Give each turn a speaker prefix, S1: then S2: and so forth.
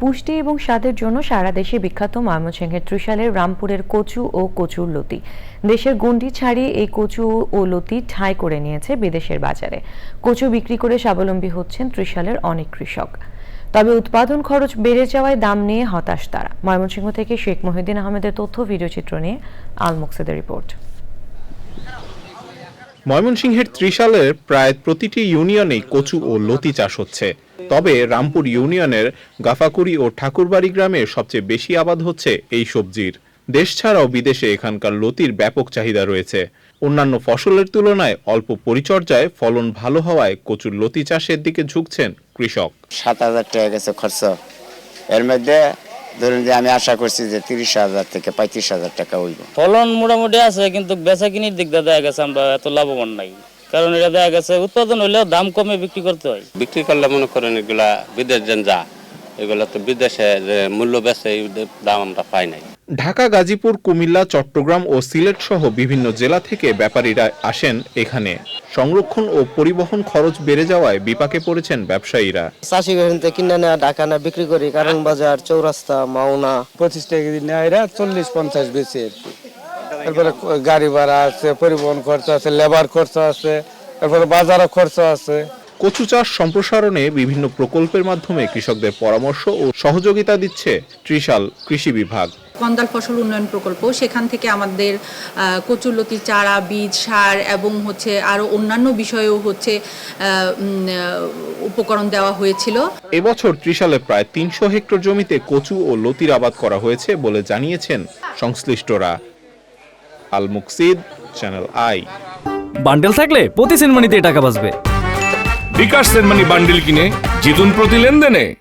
S1: পুষ্টি এবং স্বাদের জন্য সারা দেশে বিখ্যাত ময়মনসিংহের ত্রিশালের রামপুরের কচু ও কচুর লতি। দেশের গণ্ডি ছাড়িয়ে এই কচু ও লতি ঠাঁই করে নিয়েছে বিদেশের বাজারে। কচু বিক্রি করে স্বাবলম্বী হচ্ছেন ত্রিশালের অনেক কৃষক। তবে উৎপাদন খরচ বেড়ে যাওয়ায় দাম নিয়ে হতাশ তারা। ময়মনসিংহ থেকে শেখ মহিউদ্দিন আহমেদের তথ্য, ভিডিওচিত্র নিয়ে আল মুকসেদের রিপোর্ট।
S2: ময়মনসিংহের ত্রিশালের প্রায় প্রতিটি ইউনিয়নেই কচু ও লতি চাষ হচ্ছে। তবে রামপুর ইউনিয়নের গাফাকুড়ি ও ঠাকুরবাড়ি গ্রামে সবচেয়ে বেশি আবাদ হচ্ছে এই সবজির। দেশ ছাড়াও বিদেশে এখানকার লতির ব্যাপক চাহিদা রয়েছে। অন্যান্য ফসলের তুলনায় অল্প পরিচর্যায় ফলন ভালো হওয়ায় কচুর লতি চাষের দিকে ঝুঁকছেন কৃষক।
S3: ৭,০০০ টাকা গেছে খরচ। এর মধ্যে ধরুন যে আমি আশা করছি যে ৩০,০০০ থেকে ৩৫,০০০ টাকা হইব।
S4: ফলন মোটামুটি আছে, কিন্তু বেচা কিনির দিক দিয়ে দেখা গেছে আমরা এত লাভবান নাই। কারণ এটা দেখা গেছে উৎপাদন হলেও দাম কমে বিক্রি করতে হয়।
S5: বিক্রি করলে মনে করেন এগুলা বিদেশ যা এগুলা তো বিদেশে যে মূল্য বেচে এই দাম আমরা পাই নাই।
S2: ঢাকা, গাজীপুর, কুমিল্লা, চট্টগ্রাম ও সিলেট সহ বিভিন্ন জেলা থেকে ব্যাপারীরা আসেন এখানে। সংরক্ষণ ও পরিবহন খরচ বেড়ে যাওয়ায় বিপাকে পড়েছেন ব্যবসায়ীরা।
S6: চাষি কিনে নেওয়া ঢাকা না বিক্রি করি, কারণ বাজার, চৌরাস্তা, মাওনা
S7: 25 টাকা কেজি নেওয়া, এরা 40-50 বেশি আর কি। তারপরে গাড়ি ভাড়া আছে, পরিবহন খরচ আছে, লেবার খরচ আছে, তারপরে বাজারও খরচ আছে।
S2: কচু চাষ সম্প্রসারণে বিভিন্ন প্রকল্পের মাধ্যমে কৃষকদের পরামর্শ ও সহযোগিতা দিচ্ছে ত্রিশাল কৃষি বিভাগ।
S8: কন্দাল ফসল উন্নয়ন প্রকল্প, সেখান থেকে আমাদের কচুরলতি চারা, বীজ, সার এবং আরো অন্যান্য বিষয়েও উপকরণ দেওয়া হয়েছিল।
S2: এবছর ত্রিশালে প্রায় ৩০০ হেক্টর জমিতে কচু ও লতির আবাদ করা হয়েছে বলে জানিয়েছেন সংশ্লিষ্টরা। Al Muksid, channel I.
S9: Bundle থাকলে প্রতি সেনমানিতে টাকা বাঁচবে।
S10: বিকাশ সেনমানি বান্ডেল কিনে জিতুন প্রতি লেনদেনে।